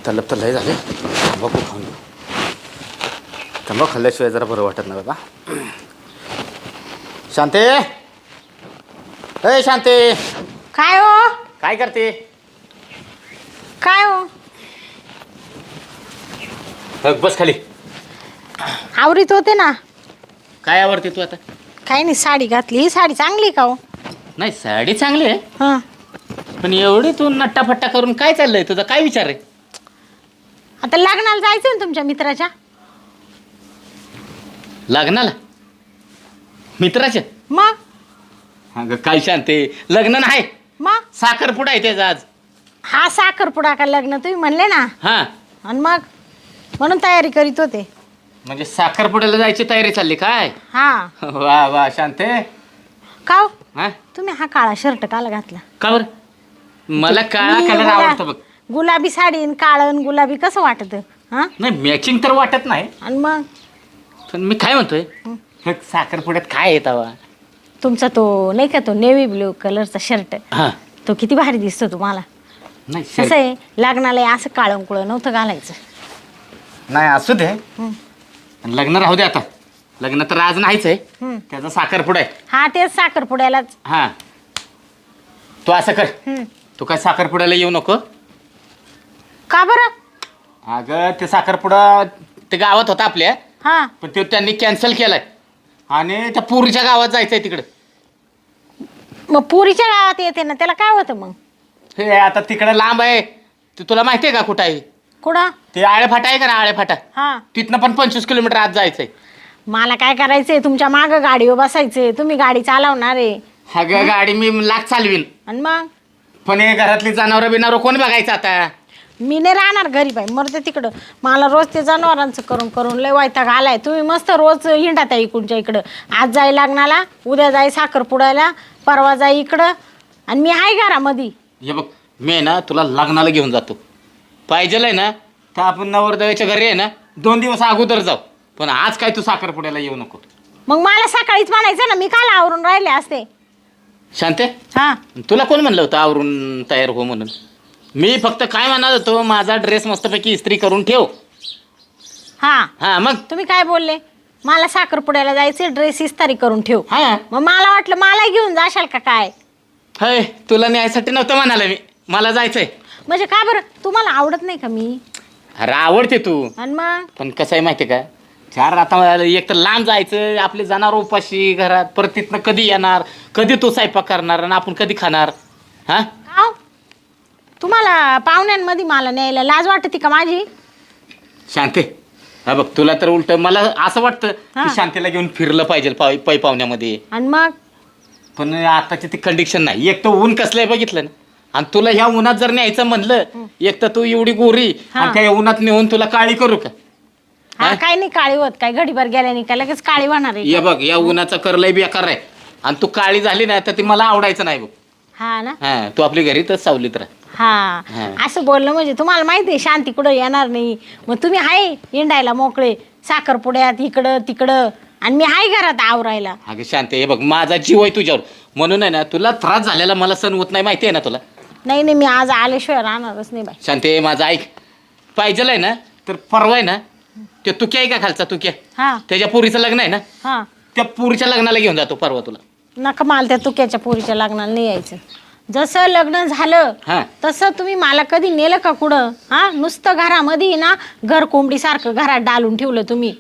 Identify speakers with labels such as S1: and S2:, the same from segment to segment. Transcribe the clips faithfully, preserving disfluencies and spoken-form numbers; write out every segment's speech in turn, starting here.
S1: तलब तर लय झाले. तंबाखू खाऊन घेऊ. तंबाखू खाल्ल्याशिवाय जरा बरं वाटत नाही बाबा. शांते, ए शांते,
S2: काय हो?
S1: काय करते?
S2: काय हो?
S1: बघ बस खाली.
S2: आवरीत होते ना.
S1: काय आवडते तू आता?
S2: काही नाही, साडी घातली. ही साडी चांगली का हो?
S1: नाही साडी चांगली आहे,
S2: हां.
S1: पण एवढी तू नट्टाफट्टा करून काय चाललंय तुझा? काय विचार आहे?
S2: आता लग्नाला जायचं ना तुमच्या मित्राच्या.
S1: लग्नाला? मित्राच्या?
S2: मग
S1: अगं काय शांते, लग्न नाही,
S2: मग
S1: साखरपुडा आहे त्याचा आज.
S2: हा साखरपुडा का लग्न तुम्ही म्हणले ना.
S1: हा,
S2: आणि मग म्हणून तयारी करीत होते.
S1: म्हणजे साखरपुड्याला जायची तयारी चालली काय?
S2: हा.
S1: वा वा शांते.
S2: का हो?
S1: हा,
S2: तुम्ही हा काळा शर्ट काला घातला?
S1: का बरं? मला काळा
S2: मी
S1: कलर
S2: गुला-
S1: आवडतो बघ.
S2: गुलाबी साडी आणि काळं आणि गुलाबी कसं वाटत? हा.
S1: नाही मॅचिंग तर वाटत नाही,
S2: आणि मग
S1: पण मी काय म्हणतोय, हे साखरपुड्यात काय येतावा?
S2: तुमचा तो नाही का तो नेव्ही ब्ल्यू कलरचा शर्ट,
S1: हा,
S2: तो किती भारी दिसतो तुम्हाला.
S1: नाही
S2: कसं
S1: शर्ट-
S2: आहे, लग्नाला असं काळं कुळं नव्हतं घालायचं.
S1: नाही असू दे,
S2: हं.
S1: लग्न राहू दे आता. लग्न तर आज नाहीच आहे,
S2: हं.
S1: त्याचा साखरपुडा आहे.
S2: हा तेच साखरपुड्यालाच.
S1: हा, तू असं कर,
S2: हं.
S1: तू काय साखरपुड्याला येऊ नको.
S2: का बरं?
S1: अगं ते साखरपुडा ते गावात होता आपल्या,
S2: हा.
S1: पण ते त्यांनी कॅन्सल केलाय आणि त्या पुरीच्या गावात जायचंय तिकडे.
S2: मग पुरीच्या गावात येते ना, त्याला काय होतं मग?
S1: हे आता तिकडे लांब आहे, ते तुला माहिती आहे का कुठं आहे?
S2: कुठं?
S1: ते आळेफाटा आहे का ना, आळेफाटा,
S2: हा.
S1: तिथनं पण पंचवीस किलोमीटर आत जायचंय.
S2: मला काय करायचंय, तुमच्या माग गाडीवर बसायचंय. तुम्ही गाडी चालवणार आहे.
S1: अगं गाडी मी लाख चालवीन,
S2: आणि मग
S1: पण हे घरातली जनावरं बिनावर कोण बघायचं आता?
S2: मी नाही राहणार घरी बाई, मरते तिकडं. मला रोज ते जनावरांचं करून करून लय वैताग आलाय. तुम्ही मस्त रोज हिंडात आहे इकडच्या इकडं. आज जाई लग्नाला, उद्या जाई साखरपुड्याला, परवा जाई इकडं, आणि मी आहे घरामध्ये.
S1: हे बघ, मी आहे ना तुला लग्नाला घेऊन जातो. पाहिजेल आहे ना तर आपण नवरदेवाच्या घरी आहे ना दोन दिवस अगोदर जाऊ, पण आज काय तू साखरपुड्याला येऊ नको.
S2: मग मला सकाळीच म्हणायचं ना, मी काल आवरून राहिले असते.
S1: शांते,
S2: हा.
S1: तुला कोण म्हणलं होतं आवरून तयार हो म्हणून? मी फक्त काय म्हणत होतो, माझा ड्रेस मस्तपैकी इस्त्री करून ठेव.
S2: हा.
S1: हा मग.
S2: तुम्ही काय बोलले? मला साखरपुड्याला जायचे, ड्रेस इस्तारी करून ठेव.
S1: हा,
S2: मग मला वाटलं मला घेऊन जाशाल का काय.
S1: हय तुला न्यायसाठी नव्हतं म्हणाला मी, मला जायचंय.
S2: म्हणजे का बरं, तुम्हाला आवडत नाही का मी?
S1: अरे आवडते तू,
S2: आणि मग
S1: पण कसं आहे माहिती का, चार आता एक तर लांब जायचं, आपले जाणार उपाशी घरात, परत तिथनं कधी येणार, कधी तू स्वयंपाक करणार आणि आपण कधी खाणार? हा,
S2: का हो? तुम्हाला पाहुण्यांमध्ये मला न्यायला लाज वाटते का माझी?
S1: शांते, हा बघ तुला तर उलट मला असं वाटतं
S2: हा.
S1: की शांतीला घेऊन फिरलं पाहिजे पाय पै पाहुण्यामध्ये,
S2: आणि मग
S1: पण आताची ती कंडिशन नाही. एक तर ऊन कसलंय बघितलं ना, आणि तुला ह्या उन्हात जर न्यायचं म्हणलं, एक तर तू एवढी गोरी
S2: हा.
S1: आणि त्या उन्हात नेऊन तुला काळी करू का?
S2: हा, काय नाही काळी होत, काय घडीभर गेल्याने काय लगेच काळी होणार आहे
S1: ये
S2: का?
S1: बघ, या उन्हाचा करलंय बेकार आहे, आणि तू काळी झाली ना तर ती मला आवडायचं नाही बघ.
S2: हा ना.
S1: हा, तू आपली घरी तर सावलीत राह.
S2: हा.
S1: हा.
S2: असं बोललं म्हणजे तुम्हाला माहिती आहे शांती कुठं येणार नाही. मग तुम्ही आहे हिंडायला मोकळे, साखरपुड्यात इकडं तिकडं, आणि मी आहे घरात आवरायला.
S1: अगं शांती, हे बघ माझा जीव आहे तुझ्यावर, म्हणून आहे ना तुला त्रास झालेला मला सण होत नाही, माहिती आहे ना तुला.
S2: नाही नाही, मी आज आल्याशिवाय राहणारच नाही बाई.
S1: शांती माझा ऐक, पाहिजेल आहे ना तर परवा आहे ना, ते तुक्या आहे का खालचा तुक्या,
S2: हा.
S1: त्याच्या पुरीचं लग्न आहे ना,
S2: हा.
S1: त्या पुरीच्या लग्नाला घेऊन जातो परवा तुला.
S2: नका, मला त्या तुक्याच्या पोरीच्या लग्नाला नाही यायचं. जसं लग्न झालं
S1: हा,
S2: तसं तुम्ही मला कधी नेलं का कुठं? हा, नुसतं घरामध्ये ना घर कोंबडीसारखं घरात डालून ठेवलं तुम्ही.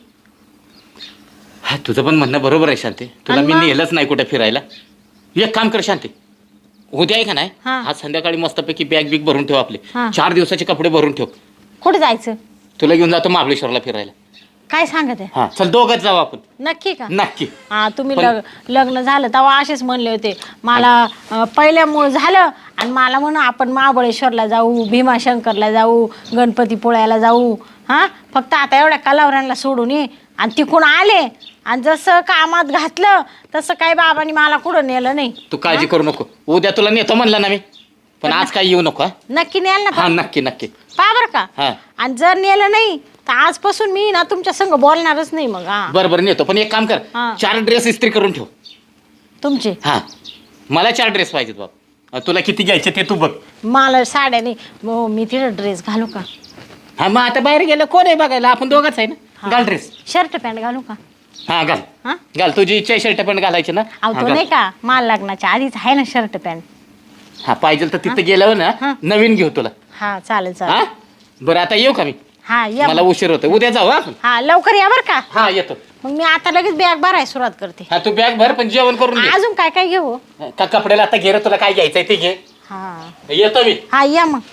S1: हा तुझं पण म्हणणं बरोबर आहे शांती, तुला
S2: आणि
S1: मी
S2: मग?
S1: नेलंच नाही कुठे फिरायला. एक काम कर शांती, उद्या आहे का नाही,
S2: हा.
S1: आज संध्याकाळी मस्तपैकी बॅग बिग भरून ठेव आपले,
S2: हा.
S1: चार दिवसाचे कपडे भरून ठेव.
S2: कुठे जायचं?
S1: तुला घेऊन जातो महाबळेश्वरला फिरायला.
S2: काय सांगत आहे?
S1: हा चल, दोघंच जाऊ आपण.
S2: नक्की का?
S1: नक्की.
S2: हा, तुम्ही
S1: पण-
S2: लग लग्न झालं तेव्हा असेच म्हणले होते मला, अं, पहिल्यामुळं झालं आणि मला म्हणून आपण महाबळेश्वरला जाऊ, भीमाशंकरला जाऊ, गणपतीपुळ्याला जाऊ. हा, फक्त आता एवढ्या कलावऱ्यांना सोडून ये. आणि तिकडून आले आणि जसं कामात घातलं तसं काही बाबांनी मला कुठं नेलं नाही.
S1: तू काळजी करू नको, उद्या तुला नेतो म्हणलं ना मी, पण आज काही येऊ नको. हा?
S2: नक्की नेल ना?
S1: हा नक्की नक्की.
S2: पा बरं का.
S1: हा.
S2: आणि जर नेलं नाही तर आजपासून मी ना तुमच्या संग बोलणारच नाही मग. हा,
S1: बरं बरं नेतो, पण एक काम कर,
S2: हा.
S1: चार ड्रेस इस्त्री करून ठेव.
S2: तुमचे?
S1: हा, मला चार ड्रेस पाहिजेत बाबा. तुला किती घ्यायचे ते तू बघ.
S2: मला साड्या नाही, मग मी तिथं ड्रेस घालू का?
S1: हा मग आता बाहेर गेलं कोण आहे बघायला, आपण दोघंच आहे ना. घाल ड्रेस.
S2: शर्ट पॅन्ट घालू का?
S1: हा घाल.
S2: हा
S1: घाल, तुझी इच्छा शर्ट पण घालायची ना.
S2: अहो
S1: हा,
S2: तो
S1: घाल.
S2: नाही का माल लग्नाच्या आधीच आहे ना शर्ट पॅन्ट.
S1: हा पाहिजे तर तिथे गेल्यावर
S2: हा.
S1: ना नवीन घेऊ तुला.
S2: हा चालेल
S1: हा
S2: चालेल.
S1: बरं आता येऊ का मी?
S2: हा या
S1: मला
S2: मग.
S1: उशीर होतो, उद्या जाऊ हा आपण.
S2: हा लवकर या बरं का.
S1: हा येतो.
S2: मग मी आता लगेच बॅग भरायला सुरुवात करते.
S1: हा तू बॅग भर पण जेवण करून घे.
S2: अजून काय काय घेऊ?
S1: का कपड्याला आता घे रे, तुला काय घ्यायचंय ते घे.
S2: हा
S1: येतो मी.
S2: हा या मग.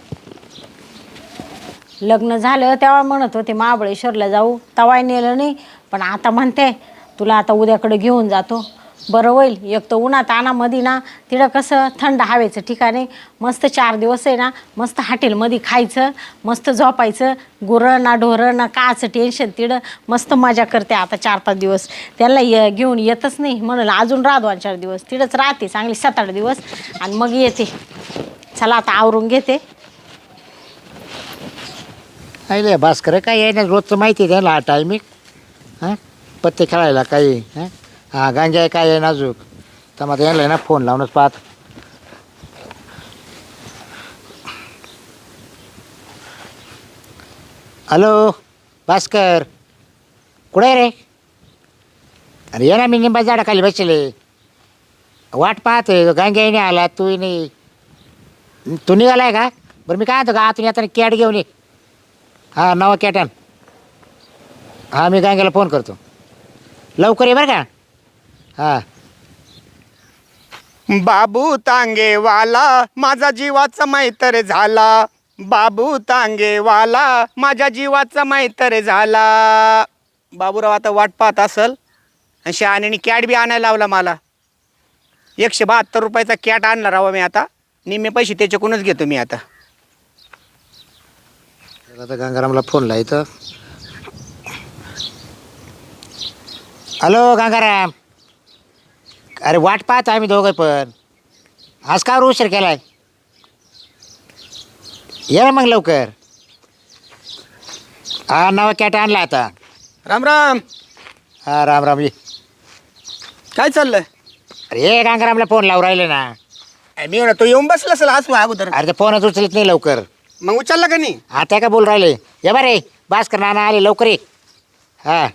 S2: लग्न झालं तेव्हा म्हणत होते महाबळेश्वरला जाऊ, तवाय नेलं नाही. पण आता म्हणते तुला आता उद्याकडे घेऊन जातो. बरं होईल, एक तर उन्हात आणामध्ये ना तिकडं कसं थंड हवेचं ठिकाण आहे. मस्त चार दिवस आहे ना, मस्त हॉटेलमध्ये खायचं, मस्त झोपायचं. गुरं ना ढोरं ना काचं टेन्शन, तिकडं मस्त मजा करते आता चार पाच दिवस. त्याला ये घेऊन येतच नाही म्हणून अजून राहा दोन चार दिवस तिकडंच राहते चांगली सात आठ दिवस आणि मग येते. चला आता आवरून घेते.
S3: आईले भास्कर काय आहे ना, रोजचं माहिती आहे त्याला टायमिंग. हां पत्ते खेळायला काही हां हां गांजा आहे काय आहे नाजूक. तर मग यायला ना फोन लावूनच पाहत. हॅलो भास्कर कुठे आहे रे? अरे ये ना, मी निंबा झाडाखाली बसले वाट पाहते. गांजाही नाही आला, तूही नाही. तू निघालाय का? बरं मी काय म्हणतो का आतून येताना कॅट घेऊन ये. हां नवा कॅटन. हां मी गांग्याला फोन करतो, लवकर ये बरं का. हां
S4: बाबू तांगेवाला माझा जीवाचा मैत्र झाला. बाबू तांगेवाला माझ्या जीवाचा मैत्र झाला. बाबूराव आता वाट पाहत असल आणि शहाण्याने कॅट बी आणायला लावला मला. एकशे बहात्तर रुपयाचा कॅट आणला राव मी आता. निम्मे पैसे त्याच्याकडूनच घेतो मी आता.
S3: आता गंगारामला फोन लायचं. हॅलो गंगाराम, अरे वाट पाहत आम्ही दोघं पण. आज का उशीर केलाय? ये ना मग लवकर. हा नवा कॅट आणला आता.
S4: राम राम.
S3: हा राम राम ये.
S4: काय चाललंय?
S3: अरे ये गंगारामला फोन लावून राहिले ना.
S4: अरे मी म्हणतो येऊन बसला असेल आज अगोदर.
S3: अरे ते फोनच उचलत नाही लवकर.
S4: मग उचलला का नाही?
S3: आता का बोल राहिले? ये बरे भास्कर नाना आले लवकर ये. हां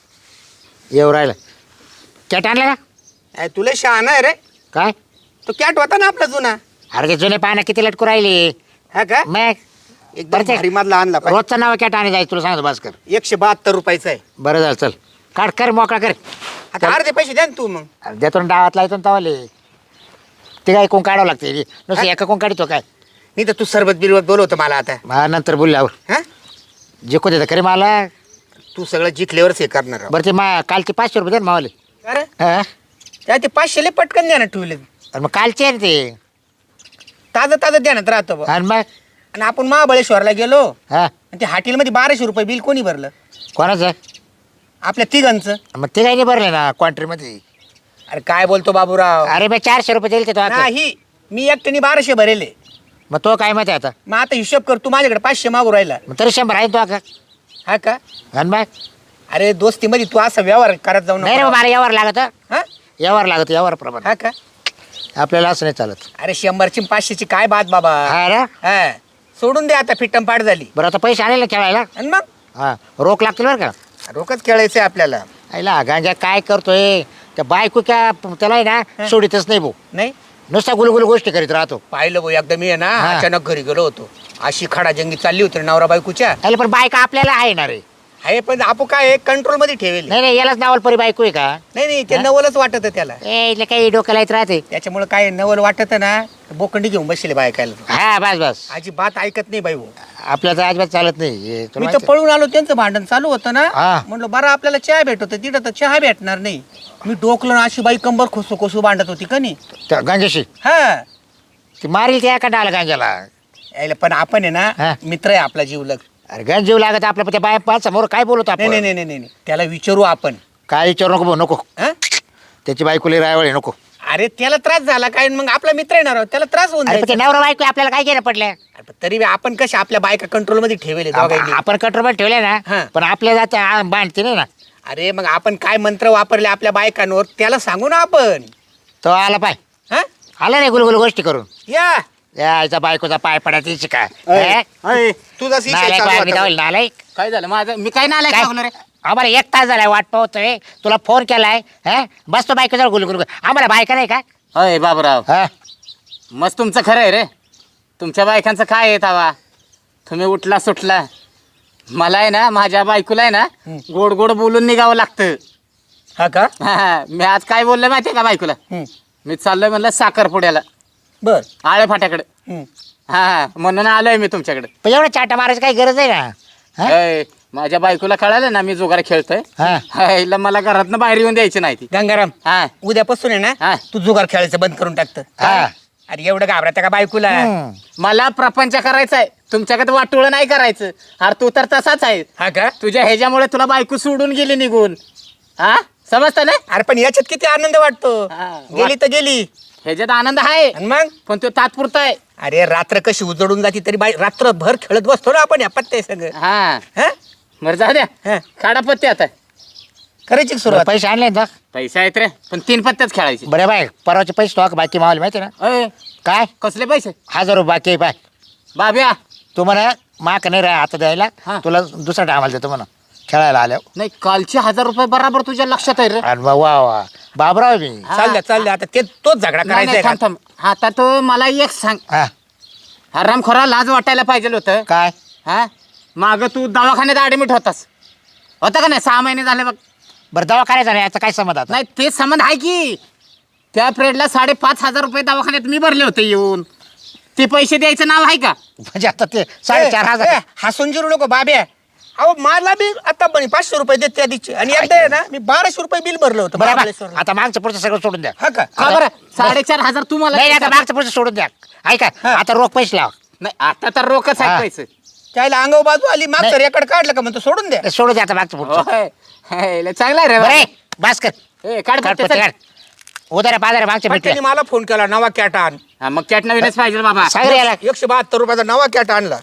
S3: येऊ राहिलं. कॅट आणला का?
S4: अरे तुला शहाणा आहे रे.
S3: काय?
S4: तो कॅट होता ना आपला जुना.
S3: अरे ते जुने पानं किती लटकू राहिले.
S4: हा का?
S3: मग
S4: एकदम
S3: बरं ते-
S4: भारी मधला आणला पाहिजे.
S3: रोजचं नाव कॅट आणि जायचं तुला सांगतो भास्कर.
S4: एकशे बहात्तर रुपयाचा आहे.
S3: बरं झालं चल काढ कर मोकळा कर.
S4: आता अर्धे पैसे द्या ना तू मग.
S3: अरे देतो ना डावातला येतो ना तवाले. ते काय कोण काढावं लागते नुसतं एका कोण काढतो काय.
S4: नाही तर तू सरबत बिरबत बोलवतो मला आता.
S3: मला नंतर बोलल्यावर
S4: हा
S3: जिकू देतं खरे मला.
S4: तू सगळं जिंकल्यावरच हे करणार आहोत.
S3: बरं ते मा कालचे पाचशे रुपये दे ना मावाले.
S4: अरे
S3: हां
S4: त्या ते पाचशेले पटकन द्या ना ठेवले.
S3: अरे मग कालचे आहे ना ते.
S4: ताजं ताजं द्यानात राहतो बा.
S3: आणि मग
S4: आणि आपण महाबळेश्वरला गेलो
S3: हां
S4: आणि ते हॉटेलमध्ये बाराशे रुपये बिल कोणी भरलं?
S3: कोणाचं?
S4: आपल्या तिघांचं.
S3: मग ते काही नाही भरले ना क्वांट्रीमध्ये.
S4: अरे काय बोलतो बाबूराव?
S3: अरे मी चारशे रुपये दिले ते तो आता.
S4: नाही मी एकट्याने बाराशे भरेले.
S3: मग तो काय माहिती आता.
S4: मग आता हिशोब कर. तू माझ्याकडे पाचशे मागू राहिला.
S3: मग तरी शंभर आहे तो आता.
S4: हा का?
S3: आणि मग
S4: अरे दोस्तीमध्ये तू असा व्यवहार करत जाऊ
S3: नाही रे
S4: नको.
S3: मला यावर लागत.
S4: हा
S3: यावर लागत यावर प्रमाण.
S4: हा का?
S3: आपल्याला असं नाही चालत.
S4: अरे शंभरची पाचशेची काय बात बाबा.
S3: हा रे
S4: हा सोडून दे आता. फिट्टम पाड झाली.
S3: बरं आता पैसे आले ना खेळायला.
S4: आणि मग
S3: हां रोख लागतील बरं का.
S4: रोकच खेळायचंय आपल्याला.
S3: आईला गांजा काय करतोय त्या बायको क्या त्याला आहे ना सोडितच नाही भाऊ.
S4: नाही
S3: नुसता गुलगुल गोष्टी करीत राहतो.
S4: पाहिलं भाऊ एकदा मी आहे ना
S3: हा.
S4: अचानक घरी गेलो होतो. अशी खडाजंगी चालली होती रे नवरा बायकोच्या.
S3: अरे पण बायका आपल्याला आहे ना रे.
S4: आहे पण आपण काय कंट्रोल मध्ये ठेवेल.
S3: नाही नाही यालाच नावाल परी बायको आहे का.
S4: नाही नाही ते
S3: हा?
S4: नवलच वाटत त्याला.
S3: ए इथलं काही डोक्याला येत राहते.
S4: त्याच्यामुळे काय नवल वाटत ना बोकंडी घेऊन बसले बायकायला.
S3: हा बस बस
S4: अजिबात ऐकत नाही बाई भाऊ.
S3: आपल्या तर अजिबात चालत नाही हे तुला
S4: मी तर
S3: माहिती
S4: पळून आलो त्यांचं भांडण चालू होतं ना.
S3: हा.
S4: म्हणलं बरं आपल्याला चहा भेटत तिथं तर चहा भेटणार नाही. मी डोकलं ना अशी बाई कंबर खोसू खोसू भांडत होती का नाही.
S3: आहे. त्या गांजाशी
S4: हा
S3: ती मारील त्या एका डाला गांजाला.
S4: यायला पण आपण आहे
S3: हा.
S4: ना मित्र आहे आपला जीवलग.
S3: अरे गंज जीव लागत आपल्या त्या बाय पाच समोर काय बोलतो
S4: नाही नाही
S3: आपण.
S4: नाही नाही नाही त्याला विचारू आपण.
S3: काय विचारू नको भाऊ नको.
S4: हा?
S3: त्याची बायकोली रायवळ आहे नको.
S4: अरे त्याला त्रास झाला काय मग आपला मित्र येणार आहोत त्याला त्रास होऊन
S3: अरे पण ते
S4: जायचा.
S3: नवरा बायको आहे, आपल्याला काय घेणं पडलं.
S4: अरे पण तरी बी आपण कशा आपल्या बायका कंट्रोल मध्ये ठेवले दोघांनी.
S3: आपण कंट्रोल ठेवले ना
S4: हा.
S3: पण आपल्या जात बांधते नाही ना.
S4: अरे मग आपण काय मंत्र वापरले आपल्या बायकांवर त्याला सांगू ना आपण.
S3: तो आला पाय
S4: हा
S3: आला नाही गुलगुल गोष्टी करून.
S4: या
S3: यायचा बायकोचा पाय पडायची का
S4: अय, अय, तुझाच विषय
S3: नालायक
S4: चालू
S3: वागणी
S4: होता.
S3: दावली, नालायक
S1: काय झालं माझं मी काय नालायक
S3: काय?
S1: वागलो रे
S3: आम्हाला एक तास झालाय वाट पाहतोय तुला फोन केलाय हा बसतो बायकोचा गुल गुल आम्हाला बायका नाही का
S1: अय बाबूराव
S3: हा
S1: मस्त तुमचं खरं आहे रे तुमच्या बायकांचं काय आहे तावा तुम्ही उठला सुटला मला आहे ना माझ्या बायकोला आहे ना गोड गोड बोलून निघावं लागतं
S4: हा का
S1: हा, मी आज काय बोललो माहिती आहे का बायकोला
S4: हम्म.
S1: मी चाललोय म्हणलं साखरपुड्याला
S4: बर
S1: आळे फाट्याकडे
S4: हम्म.
S1: हा म्हणून आलोय मी तुमच्याकडे
S3: पण एवढं चाटा मारायची काही गरज आहे ना हा?
S1: अय, माझ्या बायकोला कळालं ना मी जुगार खेळतोय
S3: हा.
S1: हा, हिला मला घरातनं बाहेर येऊन द्यायची नाही ती
S4: गंगाराम
S1: हा
S4: उद्यापासून आहे
S1: हा.
S4: ना तू जुगार खेळायचं बंद करून टाकतं
S3: हा.
S4: अरे एवढं घाबरता का बायकोला
S3: हम्म.
S1: मला प्रपंच करायचा आहे तुमच्याकडे वाटोळं नाही करायचं अरे तू तर तसाच आहे
S4: हा का
S1: तुझ्या ह्याच्यामुळे तुला बायको सोडून गेली निघून हा समजतं ना
S4: अरे पण याच्यात किती आनंद वाटतो
S1: हा.
S4: गेली तर गेली
S1: ह्याच्यात आनंद आहे
S4: आणि मग
S1: पण तो तात्पुरता आहे
S4: अरे रात्र कशी उजळून जाती तरी बाई रात्रभर खेळत बसतो ना आपण या पत्ते सगळं
S1: हा
S4: हा
S1: बरं जाऊ द्या
S4: हा.
S1: काढा पत्ते आता
S4: करायची का सुरुवात
S3: पैसे आणले ना
S1: पैसे आहेत रे पण तीन पत्त्याच खेळायचे
S3: बरे बाय परवाचे पैसे तो बाकी मावले माहिती ना
S1: अय
S3: काय
S1: कसले पैसे
S3: हजार रुपये बाकी आहे बाय
S1: बाब्या
S3: तू म्हणा माक नाही राहा आता द्यायला
S1: हा.
S3: तुला दुसरा टायमाला देतो म्हणा खेळायला आल्यावर
S1: नाही कालचे हजार रुपये बराबर तुझ्या लक्षात आहे रे
S3: आणि वा वा वा बाबराव मी
S1: हा.
S4: चालल्या चालल्या आता ते तोच झगडा
S1: नाही,
S4: करायचा
S1: नाही,
S4: आहे
S1: थांब
S4: का?
S1: थांब आता तो मला एक सांग
S3: हा
S1: हराम खोरा लाज वाटायला पाहिजे होतं
S3: काय
S1: हा माग तू दवाखान्यात ऍडमिट होतास होता का नाही सहा महिने झाले बघ
S3: बरं दवा करायचा नाही याचा काय समज आता
S1: नाही ते संबंध आहे की त्या पिरियडला साडेपाच हजार रुपये दवाखान्यात मी भरले होते येऊन ते पैसे द्यायचं नाव आहे का
S3: म्हणजे आता ते साडेचार
S4: ए,
S3: हजार
S4: ए, हसून जिरू नको बाब्या अहो मला बी आता पण पाचशे रुपये देत त्या दिवशी आणि एकदा आहे ना मी बाराशे रुपये बिल भरलं होतं
S3: बरोबर
S4: महाबळेश्वरला.
S3: आता मागचं पुढचं सगळं सोडून द्या
S4: हा का
S1: का बरं साडेचार हजार तुम्हाला
S3: नाही आता मागचं पुढचं सोडून द्या ऐका आता रोख पैसे लावा
S1: नाही आता तर रोखच
S3: हा.
S1: आहे पैसे
S4: त्याला अंगावर बाजू आली मागचं
S3: नाही.
S4: रेकॉर्ड काढलं का म्हणतो सोडून द्या
S3: ते सोडून द्या आता मागचं पुढचं
S1: होय. हे, लय चांगला आहे रे
S3: बरे
S1: बाबा.
S3: भास्कर
S1: ए, काढ
S3: काढ
S1: पत्ते,
S3: पत्ते,
S1: चल.
S3: काढ उदारा पादारा मागच्या
S4: पण त्यांनी
S3: भेटल्या
S4: मला फोन केला नवा कॅट आण
S1: हा, मग कॅट नवीनच पाहिजे रे बाबा
S3: सागर याला
S4: एकशे बहात्तर रुपयाचा नवा कॅट आणला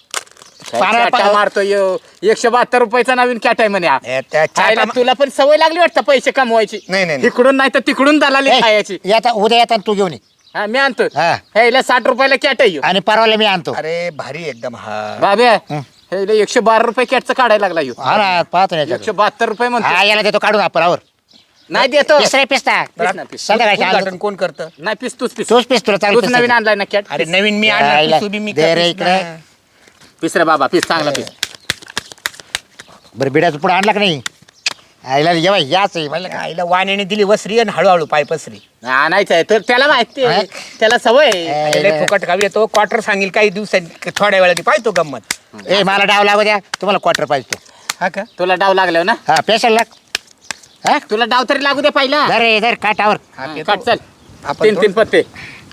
S3: पारा-
S1: कॅटा मारतो यो एकशे बहात्तर रुपयाचा नवीन कॅट आहे म्हणे हा.
S4: ए, त्या
S1: खायला
S4: चाटा-
S1: तुला पण सवय लागली वाटतं पैसे कमवायची
S4: नाही, नाही, नाही.
S1: इकडून नाही तर तिकडून दलाली
S3: ए,
S1: खायची
S3: येता उद्या येता तू घेऊन ये
S1: हा मी आणतो
S3: हा.
S1: हे इला साठ रुपयाला कॅट आहे ह्यो.
S3: आणि परवाला मी आणतो
S4: अरे भारी एकदम हा
S1: बाब्या
S3: हं.
S1: हे इला एकशे बारा रुपये कॅटचं काढायला लागला ह्यो.
S3: हा ना पाहतो ना
S1: एकशे
S3: याच्याकडे.
S1: बहात्तर रुपये म्हणतो
S3: हा याला देतो काढून आपल्यावर
S1: नाही देतो
S3: पिस्ता पिस्ता
S1: पिस ना, पिस.
S3: संध्याकाळी
S4: उद्घाटन
S3: आलं.
S4: कोण करतं
S1: नाही पिस तूच पिस
S3: तोच पिस तुला चालू
S1: तूच नवीन आणलाय ना कॅट
S4: अरे नवीन मी
S3: यायला.
S4: आणला पिसू बी मी
S3: दे रे
S4: का
S3: इकडे.
S4: पिसणार?
S1: पिस रे बाबा पिस चांगला पिस
S3: बरं बिड्याचं पुढे आणला का नाही आईला जेव्हा याच आहे म्हणलं का
S4: आईला वाण्याने दिली वसरी आणि हळूहळू पाय पसरी
S1: आणायचं आहे तर त्याला माहिती आहे. त्याला सवय आहे.
S3: ए,
S4: आईला फुकट खावी येतो क्वार्टर सांगेल काही दिवसांनी थोड्या वेळाने पाहतो गंमत
S3: ए मला डाव लागू द्या तुम्हाला क्वार्टर पाहिजे तो.
S4: हा का
S1: तुला डाव लागल्यावर ना
S3: हा पेशल लाग हा
S1: तुला डाव तरी लागू दे पहिला
S3: धर रे धर काटावर
S4: हा,
S1: हा,
S4: ते
S1: काट
S4: तो-
S1: चल
S4: आपण
S1: तीन
S4: तो-
S1: तीन पत्ते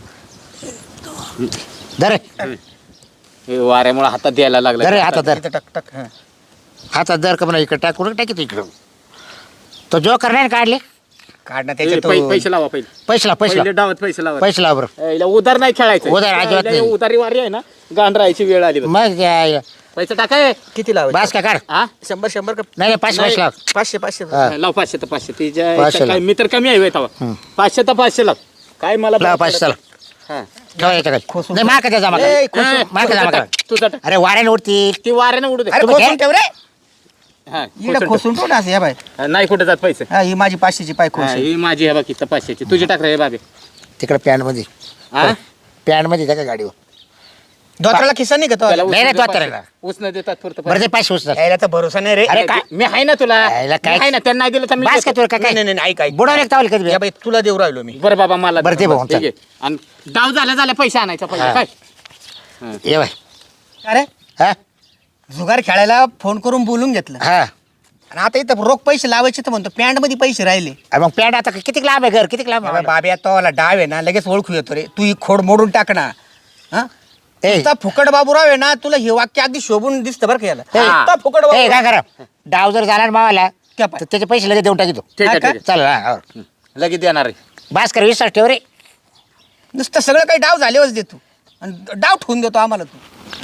S3: धर
S1: हे वाऱ्यामुळे हातात द्यायला
S3: धर रे
S1: लागला
S3: हातात धर
S4: इथं टक टक हा.
S3: हातात धर का म्हणा इकडे टाक कुठं टाकी इकडं तो जो करणार ना काढले
S4: काढ ना
S1: ए,
S4: त्याच्यात
S1: पै- पैसे लावा पहिले
S3: पैसे लाव पैसे
S1: पहिले
S3: लाव
S1: डावात पैसे लावा
S3: पैसे लाव बरं
S1: ए, हिला उधार नाही खेळायचं
S3: उधार अजिबात
S1: हिला
S3: नाही.
S1: उधारी वारी आहे ना गांढरायची वेळ आली बघ.
S3: मग या-
S1: पैसे टाकाय
S4: किती लावायचे
S3: बास का काढ
S1: हा
S4: शंभर शंभर का
S3: नाही नाही पाचशे पैसे लाव
S4: पाचशे पाचशे
S3: हा.
S1: लाव पाचशे तर पाचशे तिच्या
S3: पाचशे
S1: काय
S3: लाव.
S1: मी तर कमी आहे तवा
S3: हं.
S1: पाचशे तर पाचशे लाव काय मला
S3: लाव पाचशे चला
S1: हा.
S3: ठेवा याच्या खाली
S4: खोसून
S3: नाही माका त्या जमा
S4: ए,
S3: करा.
S4: खोसून.
S1: ए,
S3: माका
S1: तुझा
S3: जमा
S1: टाक,
S3: करा.
S1: तुझा टाक.
S3: अरे वाऱ्याने उडती
S1: ती वाऱ्याने उडू दे
S4: अरे
S3: तुम्ही
S4: खोसून ठेव रे
S1: हा,
S4: इकडे
S1: खोसून
S4: खोसून ठेव ना असं या बाय
S1: ठेव. हा, नाही कुठे जात पैसे
S4: हा ही माझी पाचशेची पाय
S1: हा,
S4: खोस
S1: ही माझी आहे बाकी पाचशेची तुझी टाक रे बाबे
S3: तिकडे पॅन्ट मध्ये
S1: हा
S3: पॅन्ट मध्ये त्या गाडीवर
S4: धोत्राला खिसा नाही का तो
S1: त्याला
S3: नाही, नाही,
S1: उसनं
S3: तो
S1: दे
S3: आता
S1: पाचशे. उसनं देतात पुरतं
S3: बरं ते पैसे उचल
S4: यायला तर भरोसा नाही रे
S3: अरे काय?
S1: मी आहे ना तुला
S3: यायला
S1: मी
S3: काय?
S1: आहे ना त्यांना नाही दिलं तर मी
S3: बास का
S1: देतो.
S3: तुला काय
S4: नाही नाही नाही ऐक ऐक
S3: बुडवले का तावले कधी
S4: या बाई तुला देऊ राहिलो मी
S1: बरं बाबा मला
S3: बरं, दे भाऊ,
S1: ठीक आहे. आणि डाव झाला झाला पैसे आणायचा
S3: हा.
S1: पैसे काय
S3: ये बाय
S4: अरे
S3: हा
S4: जुगार खेळायला फोन करून बोलून घेतलं
S3: हा
S4: आणि आता इथं रोख पैसे लावायचे तर म्हणतो पॅन्ट मध्ये पैसे राहिले
S3: अरे मग पॅन्ट आता किती लांब आहे घर किती लांब
S4: या
S3: आहे
S4: बाई, बाब्या तोला डाव आहे ना लगेच ओळखू येतो रे तू ही खोड मोडून टाक ना हा
S3: ए.
S4: नुसता फुकट बाबूराव आहे ना तुला हे वाक्य अगदी शोभून दिसतं बरं का याला
S1: हा.
S4: नुसता फुकट
S3: ए काय
S4: बाबूराव.
S3: करा डाव जर झाला ना मावाला
S4: क्या पाय?
S3: तर त्याचे पैसे लगेच देऊन टाकी तू
S1: ठीक आहे
S4: हा का?
S1: ठीक
S3: चल हा हो.
S1: आहे लगेच देणार आहे
S3: बास कर विश्वास ठेव रे
S4: नुसतं सगळं काही डाव झाल्यावरच देतो आणि डाव ठेवून देतो आम्हाला तू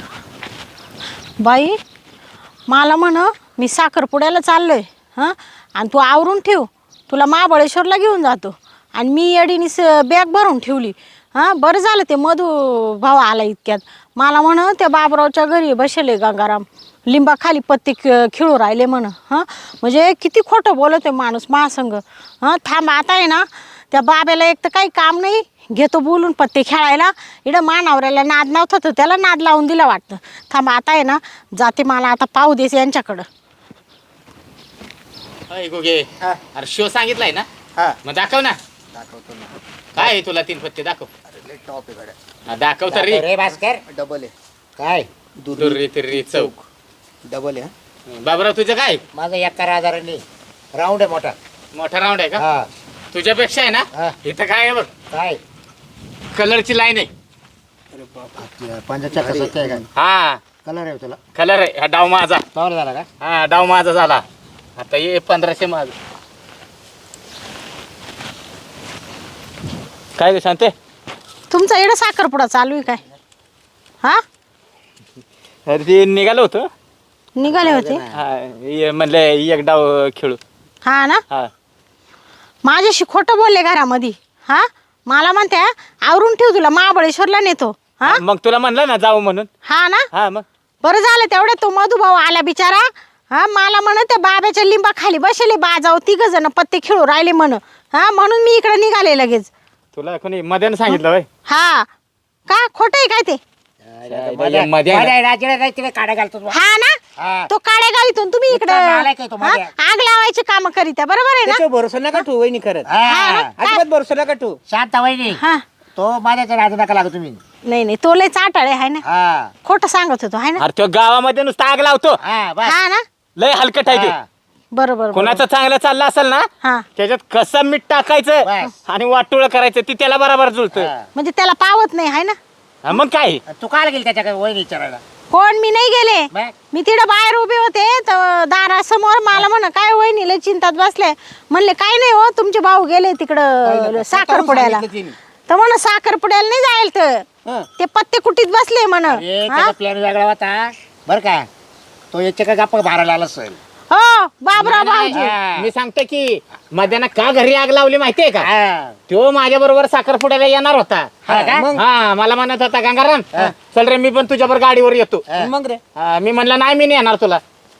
S2: बाई मला म्हण मी साखरपुड्याला चाललोय हां आणि तू आवरून ठेव तुला महाबळेश्वरला घेऊन जातो आणि मी येडीनी स बॅग भरून ठेवली हां बरं झालं ते मधू भाऊ आला इतक्यात. मला म्हण त्या बाबरावच्या घरी बसले गंगाराम लिंबाखाली पत्ते ख- खेळू राहिले म्हण. हां म्हणजे किती खोटं बोलतोय माणूस महासंग. हां थांब आता आहे ना त्या बाब्याला एक तर काही काम नाही, घेतो बोलून पत्ते खेळायला. इकडं मानावऱ्याला नाद नव्हता तर त्याला नाद लावून दिला वाटतं. थांब आता आहे ना जाते, मला आता पाहू देस यांच्याकडं.
S1: अय गोगे
S4: हा.
S1: अरे शो सांगितलाय ना,
S4: हा
S1: मग दाखव ना.
S4: दाखवतो ना.
S1: काय आहे तुला तीन पत्ते दाखव.
S4: अरे लय टॉप आहे गाड्या.
S1: हा, दाखव तर रे.
S3: रे भास्कर
S4: डबल आहे.
S3: काय
S1: दुर्री तिर्री चौक.
S4: डबल आहे हा.
S1: बाबराव तुझं काय
S3: माझा एका हजारांनी राऊंड आहे मोठा.
S1: मोठा राऊंड आहे का?
S3: हा
S1: तुझ्यापेक्षा आहे
S3: हा.
S1: ना इथं काय आहे बघ,
S3: काय
S1: कलरची लाईन आहे.
S4: अरे बाप.
S3: पंजाच्या कसं आहे काय
S1: हा
S3: कलर आहे तुला
S1: कलर आहे. हा डाव माझा.
S3: कवर झाला का?
S1: हा डाव माझा झाला. आता ये पंधराशे माझ. काय ग शांते?
S2: तुमचा इकडं साखरपुडा चालू आहे काय? हां
S1: अरे ते निघालो होतो.
S2: निघाले होते.
S1: हा ये म्हणलं एक डाव खेळू.
S2: हा ना
S1: हा
S2: माझ्याशी खोटं बोलले घरामध्ये. हा मला म्हणते आवरून ठेव तुला महाबळेश्वरला नेतो. हा
S1: मग तुला म्हणलं ना जाऊ म्हणून.
S2: हा ना
S1: हा मग
S2: बरं झालं तेवढे तो मधुभाऊ आला बिचारा. हा मला म्हण त्या बाब्याच्या लिंबा खाली बसले बाजाव तिघ जण पत्ते खेळू राहिले म्हण. हा म्हणून मी इकडे निघाले लगेच.
S1: तुला कोणी मध्ये सांगितलं बाई?
S2: हा का खोटं आहे काय ते?
S1: मध्ये- मध्ये आहे ना.
S3: राजकडे नाही तिकडे काढा घालतो तू.
S2: हा ना
S3: हा.
S2: तो काड्या गावीतून तुम्ही इकडे
S3: इतका नालायक आहे तो मध्ये.
S2: आग लावायचे काम करीत आहे, बरोबर आहे ना?
S4: त्याच्यावर भरोसा नका ठेवू वहिनी खरंच.
S3: हा.
S4: अजिबात भरोसा नका ठेवू.
S3: शांत वहिनी
S2: हा
S3: तो माझ्याच्या राजू नका लागू तुम्ही.
S2: नाही नाही तो लय चाटाळे आहे ना,
S3: हा
S2: खोटं सांगत होतो आहे ना.
S1: अरे तो गावामध्ये नुसता आग लावतो.
S3: हा बस
S2: हा ना
S1: लय हलकट आहे ते.
S3: हा.
S2: बरोबर बरोबर.
S1: कोणाचं चांगलं चाललं असेल ना
S2: हा
S1: त्याच्यात कसं मीठ टाकायचं
S3: बस.
S1: आणि वाटोळ करायचं ती त्याला बरोबर जुळतं.
S3: हा.
S2: म्हणजे त्याला पावत नाही आहे ना.
S1: हा, मग काय
S3: तू काल गेली त्याच्याकडे वहिनी विचारायला?
S2: कोण मी नाही गेले.
S3: मग?
S2: मी तिकडे बाहेर उभे होते तर दारासमोर मला म्हण काय वहिनीला चिंतात बसले. म्हणले काय नाही हो तुमचे भाऊ गेले तिकडं साखरपुड्याला.
S4: सांगितलं तिने.
S2: तर म्हण साखरपुड्याला नाही जाईल तर
S4: हं.
S2: ते पत्ते कुटीत बसले म्हण.
S3: अरे
S2: हा?
S3: त्याचा प्लॅन वेगळा होता बर का. तो याच्या का गप्पा भारायला आला सर.
S2: हो बाबराव भाऊजी.
S3: हा.
S1: मी सांगतो की मध्यानं का घरी आग लावली माहितीये का?
S3: हा.
S1: तो माझ्या बरोबर साखरपुड्याला येणार होता.
S3: हा का?
S4: मग?
S1: हा मला म्हणत होता गंगाराम चल रे मी पण तुझ्यावर गाडीवर येतो.
S3: हा.
S4: मग रे
S1: हा, मी म्हणलं नाही मी नाही येणार तुला.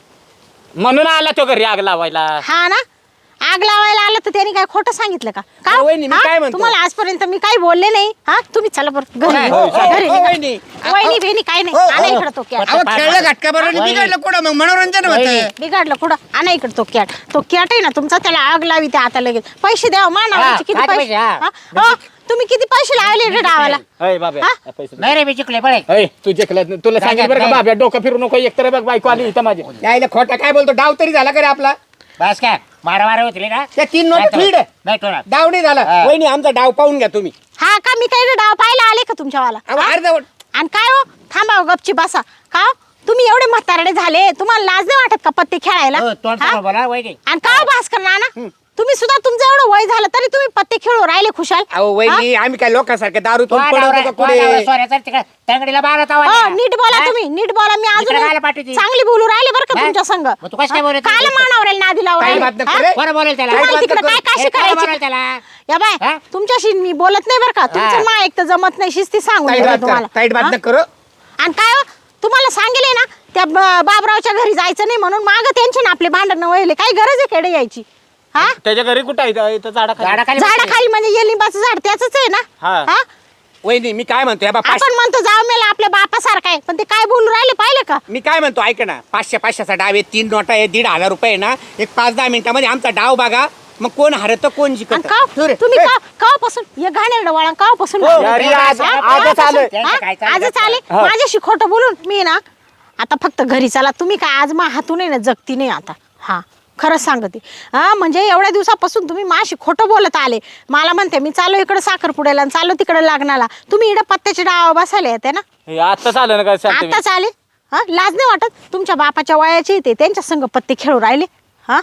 S1: म्हणून आला तो घरी आग लावायला.
S2: हा ना आग लावायला आलं तर त्यांनी काय खोटं सांगितलं का? का
S4: अहो, वहिनी, मी
S2: हा?
S4: काय म्हणतो?
S2: तुम्हाला आजपर्यंत मी काही बोलले नाही. हा तुम्ही चला बरं घरी
S3: हो,
S2: निघा.
S3: हो,
S2: घरी
S4: हो,
S2: निघा.
S4: वहिनी.
S2: वहिनी बिहिनी काय नाही.
S4: हो,
S2: आणा
S4: हो.
S2: इकडं तो कॅट.
S4: अहो खेळलं घटका बरोबर
S3: वहिनी.
S4: बिघडलं कुठं मग मनोरंजन
S3: वहिनी.
S4: होतं.
S2: बिघडलं कुठं आणा इकडं तो कॅट. तो कॅट आहे ना तुमचा त्याला आग लावी ते आता लगेच. पैसे द्या मानावरचे
S3: हा,
S2: किती
S3: काय
S2: पैसे?
S3: पैसे? हा.
S2: हा? हो, तुम्ही किती पैसे लावले रे डावाला?
S1: अय बाब्या
S2: हा?
S1: पैसे दे.
S3: नाही रे मी जिंकले बळे.
S1: अय तू जिंकलं तुला सांगेल बरं का
S3: नाही.
S1: बाब्या डोकं फिरू नको. एकतर बघ बायको आली इथं माझी.
S4: यायला खोटा काय बोलतो डाव तरी झाला का रे आपला?
S3: बस काय मारा मारा होती ना.
S4: त्या तीन नोट
S3: नाही
S4: फीड
S3: ठेवणार. नाही ठेवणार.
S4: डाव नाही झाला.
S3: हा.
S4: वहिनी आमचा डाव पाहून घ्या तुम्ही.
S2: हा का मी काही डाव पाहायला आले का तुमच्यावाला?
S4: अहो,
S2: हा?
S4: अर्धवट.
S2: आणि काय हो थांबा हो, गपची बसा. का हो? तुम्ही एवढे म्हातारडे झाले तुम्हाला लाज नाही वाटत का पत्ते खेळायला?
S3: हो, तोंड
S2: हा?
S3: समोर बोला वहिनी.
S2: आणि का हो भास्कर नाना तुम्ही सुद्धा तुमचं एवढं वय झालं तरी तुम्ही पत्ते खेळू राहिले खुशाल.
S4: अहो वहिनी आम्ही काय लोकांसारखे दारू
S3: तो
S4: पिऊन पडतो
S3: नवरा-
S4: का
S3: तो
S4: कुठे?
S3: नवरा सोऱ्याचा तिकडे तंगडीला बारा तावा
S2: हो,
S3: द्या.
S2: नीट बोला
S3: हा?
S2: तुम्ही नीट बोला. मी
S3: इकडे
S2: अजून
S3: राहायला पाठवते.
S2: चांगली बोलू राहिले बरं का
S3: हा?
S2: तुमच्या संग.
S3: मग तू कसं काय बोलत
S2: काल
S3: होती?
S2: मानावरेल नादी लावून
S4: काय
S2: राहिले.
S4: बात
S2: हा?
S4: नको रे?
S3: कोण बोलेल त्याला?
S2: तुम्हाला
S4: बात
S2: तिकडे
S4: नको
S2: काय
S4: करू.
S2: काशी
S3: हे कोण बोलेल
S2: करायची?
S3: त्याला?
S2: या बाय
S3: हा?
S2: तुमच्याशी मी बोलत नाही बरं का. तुमचं
S3: हा.
S2: मा एक तर जमत नाही शिस्ती सांगून
S4: ताईट
S2: देते
S4: बात
S2: तुम्हाला.
S4: कर, ताईट बात
S2: हा?
S4: न करू.
S2: आणि काय हो, तुम्हाला सांगेल ना त्या ब- बाबरावच्या घरी जायचं नाही म्हणून माग त्यांचे ना आपले भांडण वळले. काय गरज आहे खेडे यायची? हा
S1: त्याच्या घरी कुठं आहे इथं- इथं झाडाखाली.
S3: झाडाखाली बसली.
S2: झाडाखाली म्हणजे ये लिंबाचं झाड त्याच आहे ना.
S1: हा.
S2: हा
S4: वहिनी मी काय म्हणतो या बा पाचशे
S2: आपण म्हणतो जाऊ मेला आपल्या बापासारखा आहे पण ते काय बोलू राहिले पाहिलं का?
S4: मी काय म्हणतो ऐक ना पाचशे पाचशेचा डाव आहे तीन नोटा आहे दीड हजार रुपये आहे ना एक पाच दहा मिनिटामध्ये आमचा डाव बघा मग कोण हरत कोण
S2: आणि
S4: जिंकत
S2: का तुम्ही का कापासून हे घाणेरडं वळण कापासून
S1: हो, अरे, आज- आजच आलं.
S3: त्यांचं काय चाललं
S2: आजच आले
S1: हा.
S2: माझ्याशी खोटं बोलून मी ना आता फक्त घरी चला. तुम्ही काय आज मा हातून आहे ना जगती नाही आता. हा खरंच सांगते. हा म्हणजे एवढ्या दिवसापासून तुम्ही माझी खोटं बोलत आले. मला म्हणते मी चालू इकडे साखरपुड्याला आणि चालू तिकडे लग्नाला. तुम्ही इकडे पत्त्याचे डाव बसायला येते ना.
S1: हे आत्ताच आलं ना काय सांगते मी.
S2: आताच आले. हा लाज नाही वाटत? तुमच्या बापाच्या वयाचे ते त्यांच्या संग पत्ते खेळू राहिले. हा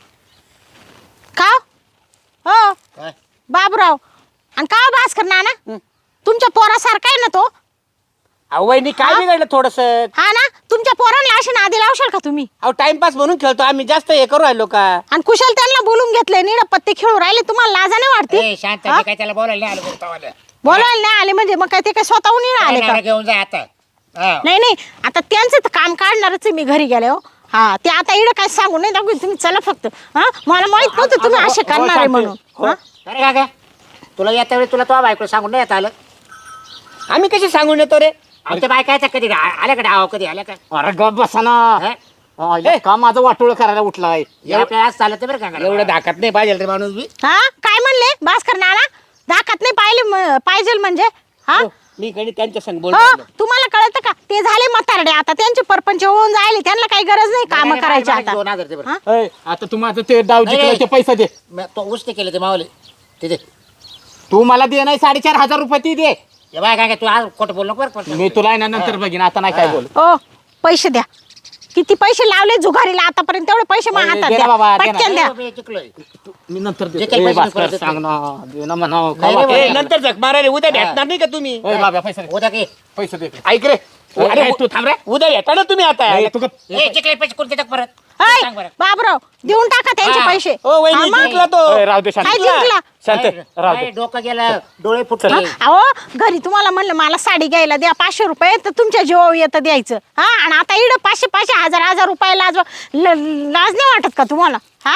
S2: का हो
S3: काय?
S2: बाबराव आणि का भास्कर नाना तुमच्या पोरासारखा आहे ना तो.
S4: अहो वहिनी काय
S2: हा?
S4: बिघडलं थोडस
S2: हा ना तुमच्या पोरांना अशी नादी लावशाल का तुम्ही?
S4: अहो टाइमपास म्हणून खेळतो आम्ही जास्त हे करू राहिलो का
S2: आणि कुशल त्यांना बोलून घेतलंय निड पत्ते खेळू राहिले. तुम्हाला लाजा नाही वाटते?
S3: ए, शांत
S2: हा?
S3: मी काय त्याला बोलायला नाही आलो बोलतो आवाला.
S2: बोलायला नाही आले म्हणजे मग काय ते काय स्वतःहून येऊन आले का
S3: नवरा घेऊन जा आता हा.
S2: नाही नाही आता त्यांचं तर काम काढणारच आहे मी घरी गेले हो हा ते आता इकडं काय सांगू नाही दाखवू तुम्ही चला फक्त हा मला माहित नव्हतं तुम्ही असे करणार आहे म्हणून हा?
S3: अरे का काय तुला येत्या वेळी तुला तो बायको सांगून नाही येत आलं
S4: आम्ही कशी सांगून येतो रे
S3: आमच्या बायका येतात कधी आल्या का डाव कधी आल्या का
S1: अरे गप बसा ना
S3: हा?
S1: हा, हे का माझं वाटोळ करायला उठलाय
S3: या आपल्याला आज चालत बरं का
S4: एवढं दाखत नाही पाहिजे रे माणूस बी
S2: हा काय म्हणले भास्कर नाना दाखत नाही पाहिले म- पाहिजे म्हणजे हा
S4: हो, मी कधी त्यांच्या संग बोल
S2: हो तुम्हाला कळतं का ते झाले म्हातारडे आता त्यांचे परपंच होऊन जायले त्यांना काही गरज नाही काम करायची आता
S3: दोन हजार दे बरं.
S2: हा?
S1: ए, आता तू माझं ते डाव
S3: नाही,
S1: जिंकलाय ते
S3: नाही.
S1: पैसे दे
S3: मी- तो उष्टे केले ते मावले ते दे
S1: तू मला दे नाही साडेचार हजार रुपये ती दे
S3: हे बाय काय काय तू आज खोटं बोल नको बरं पण.
S1: मी तुला आहे ना नंतर बघीन आता नाही काय बोल
S2: ओ पैसे द्या किती पैसे लावले जुगारीला आतापर्यंत तेवढे पैसे माझ्या
S1: ए,
S2: हातात
S1: दे
S2: द्या
S1: ना बाबा, दे ना.
S2: पटकन द्या
S3: मी जिंकलोय.
S1: मी नंतर
S3: जे
S1: देतो.
S3: काही
S1: ए,
S3: पैसे
S1: भास्कर,
S3: मी
S1: सांग ना दे ना म्हणा
S3: नाही, नाही,
S4: ए, नंतर झक मारायला उद्या भेटणार नाही का तुम्ही
S1: ए, बाबा पैसे दे.
S3: उद्या की
S1: पैसे दे
S4: ऐक रे
S1: अरे तू थांब रे
S4: उद्या भेटा ना तुम्ही आता
S1: ए, तू गप.
S3: ए, जिंकले पैसे कोणते टाक परत
S2: ऐ,
S3: सांग बरं
S2: बाबराव देऊन टाका त्यांचे
S3: हा.
S2: पैसे
S4: ओ वहिनी
S2: हा, मग?
S4: जिंकला तो
S1: ए, राहू दे शांत
S2: काय जिंकला
S1: शांत
S3: नाही,
S1: राहू
S3: नाही,
S1: दे
S3: डोकं गेलं डोळे फुटले
S2: हा? अहो घरी तुम्हाला म्हणलं मला साडी घ्यायला द्या पाचशे रुपये तर तुमच्या जीवावर येतं द्यायचं हा आणि आता इकडं पाचशे पाचशे हजार हजार रुपये लाज ल- लाज नाही वाटत का तुम्हाला हा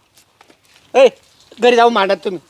S4: ए घरी जाऊ मांडत तुम्ही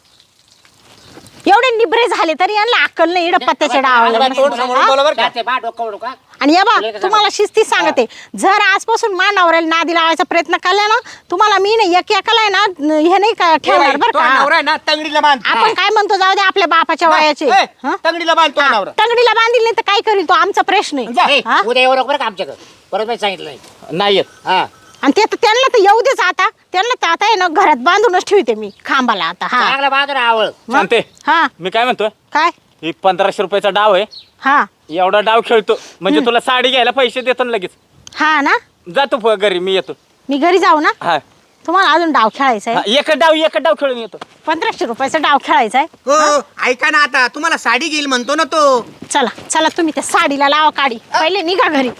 S2: एवढे निबरे झाले तरी यांना अक्कल नाही इकडं पत्त्याच्या डावाला
S4: तोंड समोरून बोला बरं का
S3: ते बा डोकं उडू का
S2: आणि या बा
S3: तुला एक
S2: तुम्हाला शिस्ती सांगते जर आजपासून मानावरेल नादी लावायचा प्रयत्न केला ना तुम्हाला मी नाही एक एकाला आहे ना न- हे नाही का ठेवणार बरं
S4: तो
S2: का
S4: नवरा आहे ना तंगडीला बांध
S2: आपण काय म्हणतो जाऊ दे आपल्या बापाच्या वयाचे
S4: ए,
S2: हा?
S4: तंगडीला बांध तो नवरा
S2: तंगडीला बांधील नाही तर काय करील तो आमचा प्रश्न
S4: जा.
S2: आहे
S3: ए,
S2: हा?
S3: उद्या येऊ नको बरं का आमच्याकडे परत मी सांगितलं
S1: नाही येत
S3: हा
S2: आणि ते तर त्यांना तर येऊ देच आता त्यांना तर आता आहे ना घरात बांधूनच ठेवते मी खांबाला आता हा
S3: चांगला बाजूला आवळ
S2: मग?
S1: शांते
S2: हा
S1: मी काय म्हणतोय
S2: काय
S1: ही पंधराशे रुपयाचा डाव आहे
S2: हा
S1: एवढा डाव खेळतो म्हणजे तुला साडी घ्यायला पैसे देतो ना लगेच
S2: हा ना
S1: जातो प- घरी मी येतो
S2: मी घरी जाऊ ना
S1: हा
S2: तुम्हाला अजून डाव खेळायचा
S1: हा,
S2: आहे
S1: एक डाव एक डाव खेळून येतो
S2: पंधराशे रुपयाचा डाव खेळायचा आहे
S4: हो ऐका ना आता तुम्हाला साडी घेईल म्हणतो ना तो
S2: चला चला तुम्ही त्या साडीला लावा काढी पहिले निघा घरी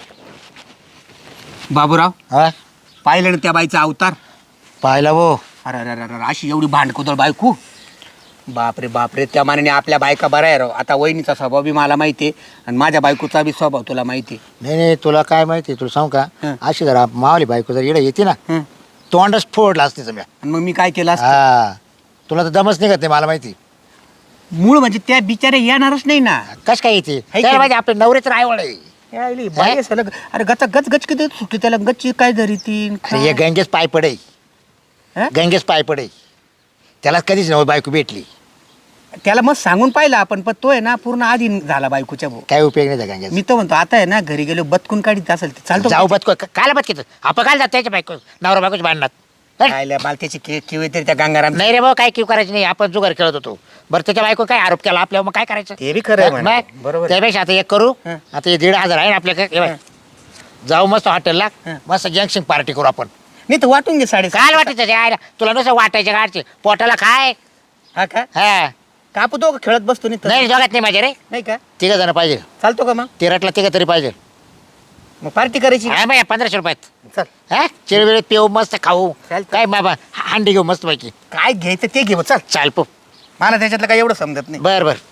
S4: बाबूराव
S3: हा
S4: पाहिलं ना त्या बाईचा अवतार
S3: पाहिला वो
S4: अरे अरे अरे अरे, अशी एवढी भांडकुदळ बायको बापरे बापरे त्या मानाने आपल्या बायका बऱ्या आहे राव आता वहिनीचा स्वभाव बी मला माहिती आहे आणि माझ्या बायकोचा बी स्वभाव तुला माहिती आहे
S3: नाही नाही तुला काय माहिती तुला सांगू का
S4: हं.
S3: अशी जरा मावली बायको जर इकडे येते ना
S4: हं.
S3: तोंडच फोडला असते समजा
S4: आणि मग मी काय केलं असतं?
S3: हा तुला तर दमच निघत नाही मला माहिती
S4: मूळ म्हणजे त्या बिचारे येणारच नाही ना
S3: कश काय येते
S4: की
S3: त्याला
S4: नाही?
S3: माहिती आपले नवरेच रायवड आहे
S4: यायली, बाई आहे सलग. अरे गच गच गच किती सुटली त्याला गच्ची काय धरी ती
S3: अरे हे गंगेच पाय पडे
S4: हं?
S3: गंगेच पाय पडे त्याला कधीच नव्हती बायको भेटली
S4: त्याला मग सांगून पाहिलं आपण पण तो आहे ना पूर्ण आधीन झाला बायकोच्या भाऊ
S3: काय उपयोग नाही त्या गंगेचा
S4: मी तर म्हणतो आता आहे ना घरी गेलो बदकून काढीत असेल ते चालतो
S3: जाऊ बदको कायला बदकीत आपण काय जात त्याच्या बायको नवरा बायकोच भांडणात हं?
S4: खायला बालत्याची के किवे तरी त्या गंगाराम
S3: नाही रे भाऊ काय किव करायचं नाही आपण जुगार खेळत होतो बरं त्याच्या बायको काय आरोप केला आपल्यावर मग काय करायचं
S4: ते बी खरं आहे म्हणा.
S3: मग?
S4: बरोबर आहे.
S3: त्यापेक्षा आता एक करू
S4: हं.
S3: आता हे दीड हजार आहे ना आपल्याकडे हे बघ. जाऊ मस्त हॉटेलला
S4: हं.
S3: मस्त गँगशिंग पार्टी करू आपण
S4: नाही तर वाटून घे साडे
S3: काय वाटायचं ते आयला तुला नुसतं वाटायचे गाडचे पोटाला काय
S4: हा का
S3: हा
S4: कापू तो का खेळत बसतो नाही तर?
S3: नाही दोघात नाही माझे रे
S4: नाही का
S3: तिघ जण पाहिजे
S4: चालतो का मग
S3: तिरटला तिघ तरी पाहिजे
S4: मग पार्टी करायची
S3: हा बाई पंधराशे रुपयात
S4: चल
S3: हा चिळबिळीत पिऊ मस्त खाऊ
S4: चालतं.
S3: काय बाबा हांडी घेऊ मस्त पैकी
S4: काय घ्यायचं ते घेऊ चल
S3: चाल पो
S4: मला त्याच्यातलं काय एवढं समजत नाही
S3: बर बर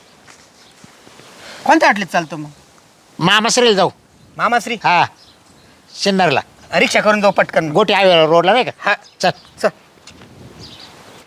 S4: कोणत्या आटलीत चालतो मग
S3: मामासरीला जाऊ
S4: मामाश्री
S3: हा सिन्नरला
S4: रिक्षा करून जाऊ पटकन
S3: गोटी हायवे रोडला नाही का
S4: हा
S3: चल
S4: चल